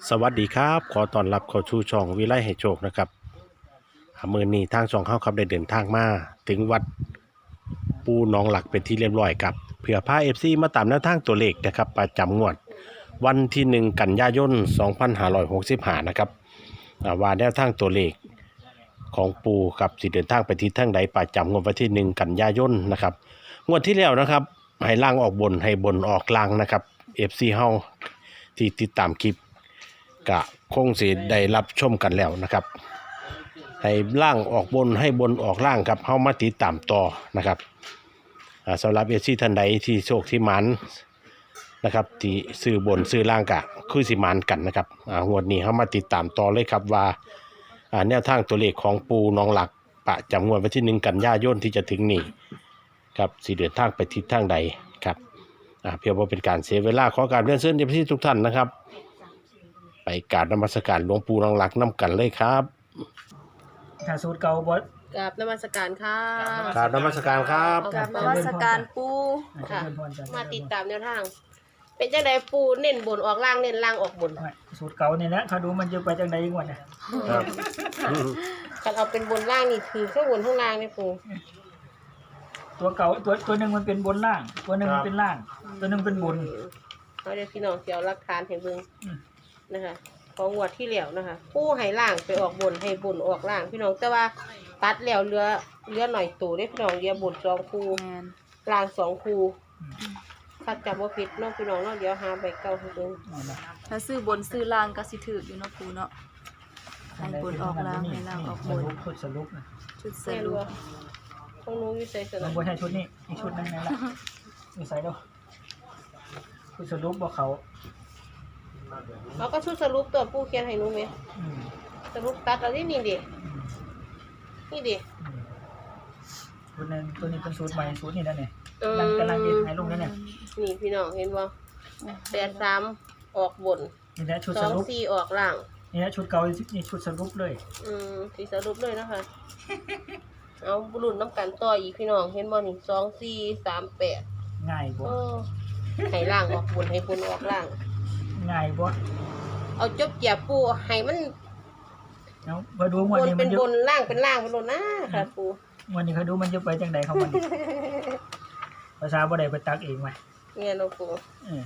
สวัสดีครับขอต้อนรับเข้าสู่ช่องวิไลให้โชคนะครับมื้อนี้ทางช่องเขาครับได้เดินทางมาถึงวัดปูหนองหลักเป็นที่เรียบร้อยครับเพื่อพา FC มาตามแนวทางตัวเลขนะครับประจำงวดวันที่1กันยายน2565นะครับว่าแนวทางตัวเลขของปูครับสิเดินทางไปทิศทางใดประจำงวดวันที่1กันยายนนะครับงวดที่แล้วนะครับให้ล่างออกบนให้บนออกล่างนะครับ FC เฮาที่ติดตามคลิปกะคงสิได้รับชมกันแล้วนะครับให้ล่างออกบนให้บนออกล่างครับเฮามาติดตามต่อนะครับสำหรับเอซี่ท่านใดที่โชคที่หมันนะครับที่ซื้อบนซื้อล่างกะคือสิหมันกันนะครับงวดนี้เฮามาติดตามต่อเลยครับว่าแนวทางตัวเลขของปูน้องหลักประจำงวดวันที่1กันยายนที่จะถึงนี้ครับสิเดินทางไปทิศทางใดครับเพื่อบ่เป็นการเสียเวลาขอการเรียนเชิญเอซี่ทุกท่านนะครับไปกราบนมัสการหลวงปู่น้องหลักน้ำกันเลยครับถ้าสูตรเก่าบดกราบนมัสการค่ะกราบนมัสการครับกราบนมัสการปูค่ะค่ะ มาติดตามแนวทาง เป็นจังไดปูเน้นบนออกล่างเน้นล่างออกบนสูตรเก่าเนี่ยนะเขาดูมันจะไปจังใดก่อนนะครับกันเอาเป็นบนล่างนี่คือข้างบนข้างล่างนี่ปูตัวเก่าตัวหนึ่งมันเป็นบนล่าง ตัวหนึ่งมันเป็นล่าง ตัวหนึ่งเป็นบนเอาเดี๋ยวพี่น้องเสียวหลักฐานให้เบิ่งอืมนะคะของงวดที่แล้วนะคะปูให้ล่างไปออกบนให้บนออกล่าง พี่น้องแต่ว่าตัดแล้วเหลือหน่อยตัวได้พี่น้องเหลือบน2คู่ล่าง2คู่ถ้าจำว่าผิดเน้องพี่น้องเนาะเดี๋ยวหาใบเก่าให้เบิ่งถ้าซื้อบนซื้อล่างก็สิถืออยู่เนาะปูเนาะให้บนออกล่างให้ล่างออกบนสรุปนะชุดสไม่รุรู้ปว่าต้องรู้วิสัยสมันะนบนใช่ชุดนี้อีกชุดหนึงนั่นแหละมีใส่ด้วยคือสรุปบอกเขาเขาก็ชุดสรุปตัวผู้เขียนให้หนูไหมอืมสรุปตัดเอาที่นี่ดิอืมนี่ดิอืมชุดนึงตัวนี้เป็นสูตรใหม่สูตรนี้นั่นเนี่ยเออกำลังเย็นให้ลงนั่นเนี่ยนี่พี่น้องเห็นบ่83ออกบนนี่นะชุดสรุป 24ออกล่างนี่นะชุดเก่านี่ชุดสรุปเลยสีสรุปเลยนะคะ เอาบุรุษน้ำกันต่ออีกพี่น้องเห็นบ่นี่2438 ง่ายบ่โอ้ให้ล่างออกบนให้บนออกล่างง่ายบ่เอาจบเกียบปูให้มันเอาพอดูงบวันนนี้เป็มัน นจะบนล่างเป็นล่างเป็นบนนะค่ะปูวันนี้เขาดูมันจะไปจังใดเขามัน ภาษาบ่ได้ไปตักเองไหมเนี่ยน้องปูเออ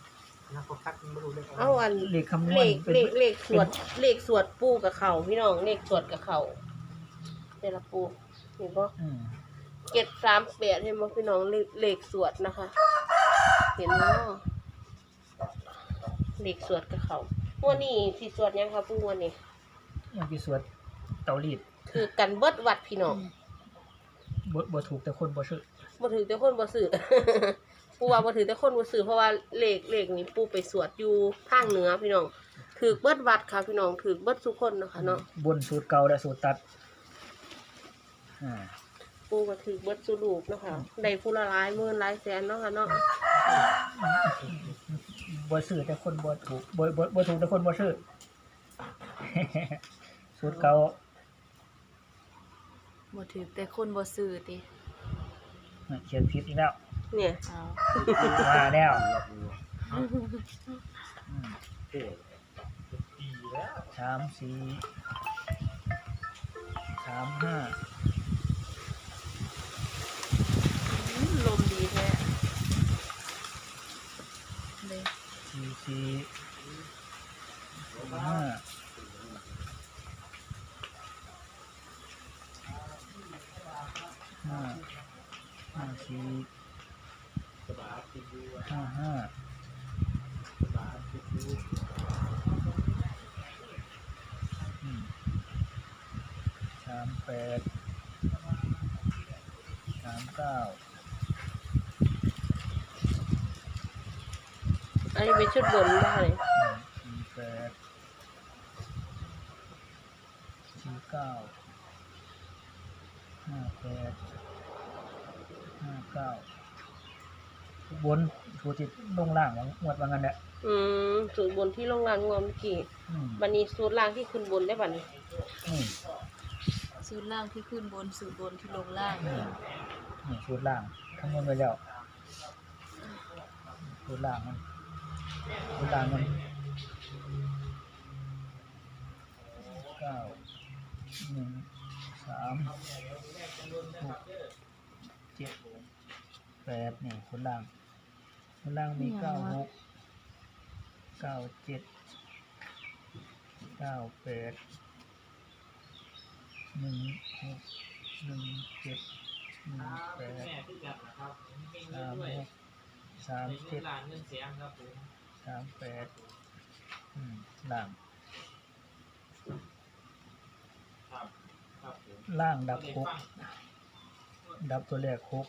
เอาอันเลขคำนวเลณขเป็นเลขสวดปูกับเขาพี่น้องเลขสวดกับเขาเดี๋ยวละปูเห็นปะอืม 738เห็นปะพี่น้องเลขสวดนะคะ เห็นเนาะเลขสวดกับเขาวันนี้สิสวดยังคะปูวันนี้ยังกี่สวดเตารีดคือกันเบิดวัดพี่น้องบ่ถูกแต่คนบ่ชื่อบ่ถือแต่คนบ่ซื้อ ปูว่าบ่ถือแต่คนบ่ซื้อเพราะว่าเลขนี้ปูไปสวดอยู่ภาคเหนือพี่น้องถือเบิดวัดค่ะพี่น้องถือเบิดทุกคนนะคะเนาะบนสูตรเก่าและสูตรตัดอ่าปูก็ถือเบิดสุรูปเนาะคะได้ผู้ละหลายหมื่นหลายแสนเนาะค่ะเนาะบ่ซื้อแต่คนบ่ถูกบ่ถูกแต่คนบ่ชื่อ สูตรเก่าบ่ถือแต่คนบ่ซื้อติเขียนผิดอีกแล้วเนี่ยเอามาแล้วสามสี่35 ลมดีแท้เลย 38 39 อันนี้เป็นชุดบนนะคะเนี่ย 48 49 58 59บนสูตรที่ลงล่างหมดว่างั้นแหละสูตรบนที่โรงงานงวมเมื่อกี้อืมวันนี้สูตรล่างที่ขึ้นบนได้บัดนี้อืมสูตรล่างที่ขึ้นบนสูตรบนที่ลงล่างนี่สูตรล่างคำนวณไว้แล้วสูตรล่างมันนี่คนล่างมี96 97 98 ล่างดับ6ดับตัวแรก6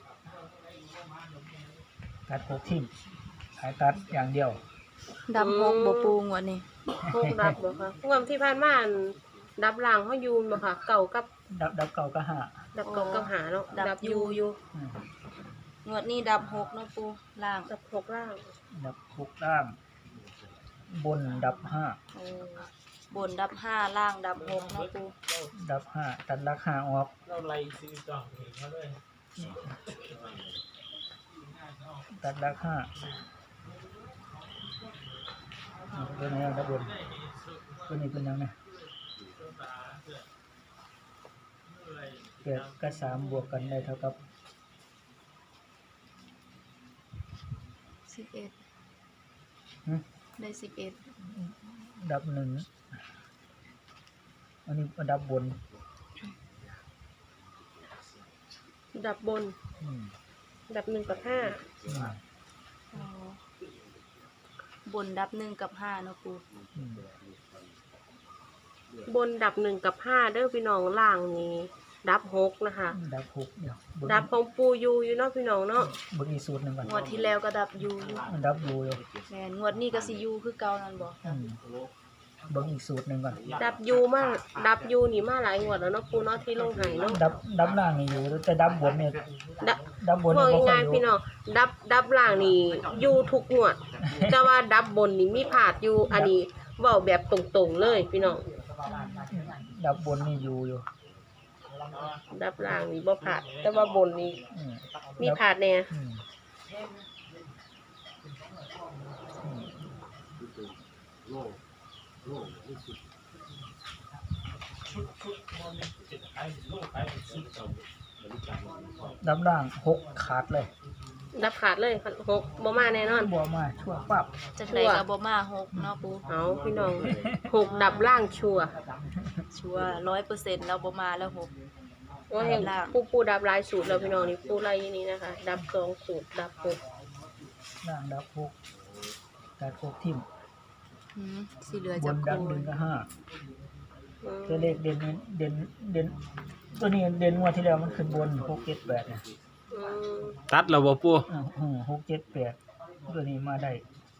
ตัด6ทิ้งขายตัดอย่างเดียวดำหกบ่ปูงวดนี้พวกดับบ่ค่ะงวดที่ผ่านมาอันดับล่างเฮาอยู่บ่ค่ะเก่ากับดับเก่าก็หาดับเก่ากับหาเนาะดับอยู่อืมงวดนี้ดับหกเนาะปูล่างดับ6ล่างดับ6ล่าง บนดับโอ้บนดับห้าล่างดับหกเนาะปู 5ดับ5ตัดราคาออกตัดราคาตัวไหนดับบนตัวนี้เป็นยังไง8กับ3บวกกันได้เท่ากับ 11 หึได้11 ดับ1อันนี้ดับบนดับบนอืมดับ1กับ5 อืมอ๋อ บนดับ1กับ5เนาะปูอืมบนดับ1กับ5เด้อพี่น้องล่างนี้ดับ6นะคะดับ6เดี๋ยวเบิ่งดับของปูอยู่เนาะพี่น้องเนาะเบิ่งอีกสูตรหนึงก่อนงวดที่แล้วก็ดับอยู่มันดับอยู่อยู่แม่นงวดนี้ก็สิอยู่คือเก่านั่นบ่อืมเบิ่งอีกสูตรหนึงก่อนดับยูนี่มาหลายงวดแล้วเนาะปูเนาะที่ลงใหายเนาะดับล่างนี่อยู่แต่ดับบนเนี่ยดับดับบนพอนี่บ่ค่อง่าย ยอยู่ๆพี่น้องดับล่างนี่อยู่ทุกงวด แต่ว่าดับบนนี่มีผาดอยู่อันนี้เว้าแบบตรงๆเลยพี่น้องดับบนนี่อยู่ดับล่างนี่บ่ผาดแต่ว่าบนนี่อืมมีผาดแน่อืมดับล่าง6ขาดเลยดับขาดเลยหกบ่มาแน่นอนบ่มาชั่วปั๊บจังได๋ก็บ่มาหกเนาะปูเอาพี่น้องหกดับล่างชัวร์ชัวร์ 100%แล้วบ่มาแล้วหกว่าเห็นล่างปูดับหลายสูตรแล้วพี่น้องนี่ปูไล่นี่นะคะ ดับ2สูตรดับ6 ล่างดับ6ตัด6ทิ่มสิเหลือบนจักดับคู 1กับอืม 5ตัวเลขเด่นตัวนี้เด่นงวดที่แล้วมันขึ้นบน6 7 8เนี่ยอืมตัดแล้วบ่ปู 6 7 8ตัวนี้มาได้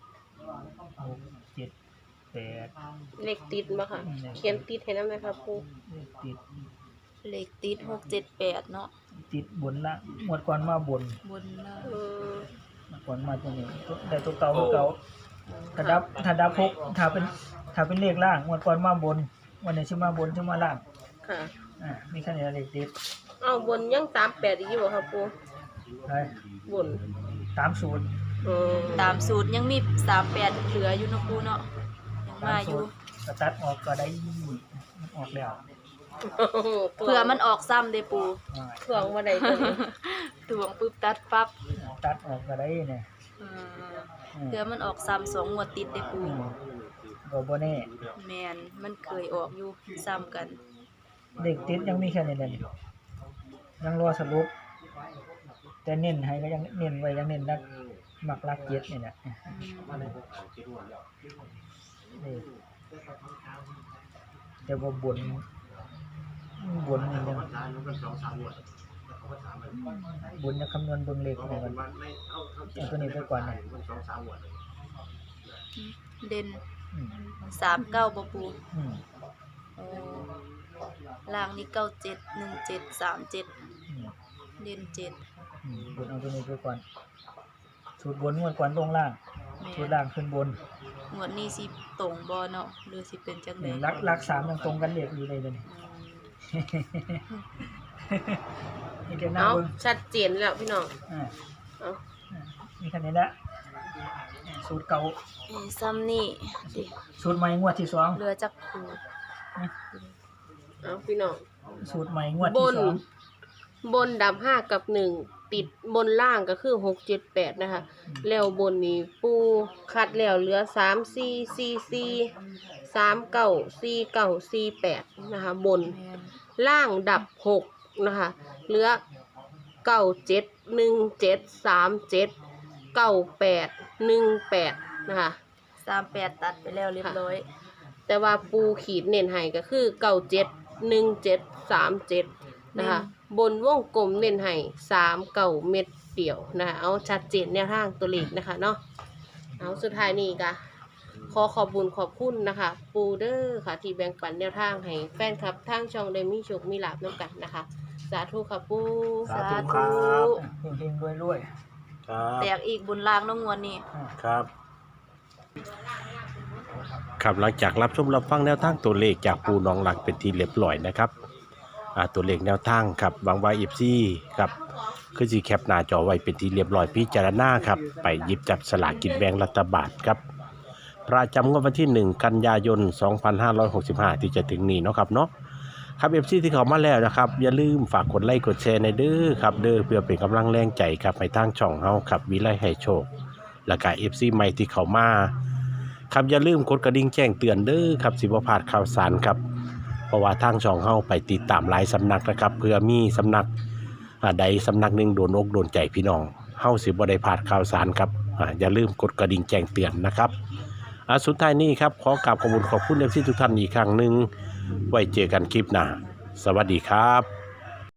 6 7 8 เลขติดบ่ค่ะ เขียนติดให้นำนะครับปูเลขติดเลขติด678เนาะติดบนละงวดก่อนมาบนบนล่างอืมงวดก่อนมาตัวนี้ได้ตัวเก่าคือเก่าถ้าดับ6ถ้าเป็นเลขล่างงวดก่อนมาบนวันนี้สิมาบนสิมาล่างค่ะมีแค่นี้เลขติดเอาบนยัง38อีกอยู่บ่ครับปูไปบนตามสูตรอืมตามสูตรยังมี38เหลืออยู่เนาะปูเนาะยังมาอยู่ก็ตัดออกก็ได้มันออกแล้วเผื่อมันออกซ้ำเด้ปูถ่วงบ่ได้ตัวนี้ตวงปึ๊บตัดปั๊บตัดออกก็ได้เนี่ยเผื่อมันออกซ้ำ2งวดติดเด้ปูก็บ่แน่แม่นมันเคยออกอยู่ซ้ำกันเด็กติดยังมีแค่นี้แหละยังรอสรุปแต่เน้นให้ก็ยังเน้นไว้ยังเน้นนักมักลักเจ็ดนี่แหละนี่แต่ว่าบนนี่ยังบนจะคำนวณเบิ่งเลขนี่มันเอาตัวนี้ไปก่อนเนี่ยเด่นอืม 39บ่ปูอืมโอ้ล่างนี่97 17 37 อืมเด่น7 บนเอาตัวนี้ไปก่อนสูตรบนงวดก่อนลงล่างแม่สูตรล่างขึ้นบนงวดนี้สิตรงบ่เนาะหรือสิเป็นจังได๋นี่ลักสามยังตรงกันเลขอยู่เลยเดี๋ยวนี้ นี่เดี๋ยวหน้าเอาเบิ่งชัดเจนแล้วพี่น้องอ่าเอามีแค่นี้แหละสูตรเก่าซ้ำนี่ดิสูตรใหม่งวดที่สองเหลือจักคูนี่เอาพี่น้องสูตรใหม่งวดบที่นสองบนดับ5กับ1ติดบนล่างก็คือ6 7 8นะคะแล้วบนนี้ปูคัดแล้วเหลือ3 4 4 4 3 9 4 9 4 8นะคะบนแม่นล่างดับ6นะคะเหลือ9 7 1 7 3 7 9 8 1 8นะคะ 38ตัดไปแล้วเรียบร้อยแต่ว่าปูขีดเน้นให้ก็คือ97 17 37นะคะบนวงกลมเน้นให้3 9เม็ดเดียวนะคะเอาชัดเจนแนวทางตัวเลขนะคะเนาะเอาสุดท้ายนี้ก็ขอขอบคุญขอบคุณนะคะ ปูเดอร์ค่ะที่แบ่งปันแนวทางให้แฟนคลับทางช่องได้มีโชคมีลาภน้ำกันนะคะ สาธุค่ะปูสาธุครับเฮงๆรวยครับแตกอีกบนล่างน้องงวนนี่ๆอ่าครับครับหลังจากรับชมรับฟังแนวทางตัวเลขจากปูน้องหลักเป็นที่เรียบร้อยนะครับตัวเลขแนวทางครับหวังว่าFCครับคือสิแคปหน้าจอไว้เป็นที่เรียบร้อยพิจารณาครับไปหยิบจับสลากกินแบ่งรัฐบาลครับประจำงวดวันที่ 1 กันยายน 2565 ที่จะถึงนี้เนาะครับเนาะครับ FC ที่เข้ามาแล้วนะครับอย่าลืมฝากกดไลค์กดแชร์ในเด้อครับเด้อเพื่อเป็นกำลังแรงใจครับให้ทางช่องเฮาครับวิไลให้โชคแล้วก็ FC ใหม่ที่เข้ามาครับอย่าลืมกดกระดิ่งแจ้งเตือนเด้อครับสิบ่พลาดข่าวสารครับเพราะว่าทางช่องเฮาไปติดตามหลายสำนักนะครับเพื่อมีสำนักใดสำนักหนึ่งโดนอกโดนใจพี่น้องเฮาสิบ่ได้พลาดข่าวสารครับอย่าลืมกดกระดิ่งแจ้งเตือนนะครับสุดท้ายนี้ครับขอกราบขอบคุณFC ทุกท่านอีกครั้งหนึ่งไว้เจอกันคลิปหน้าสวัสดีครับ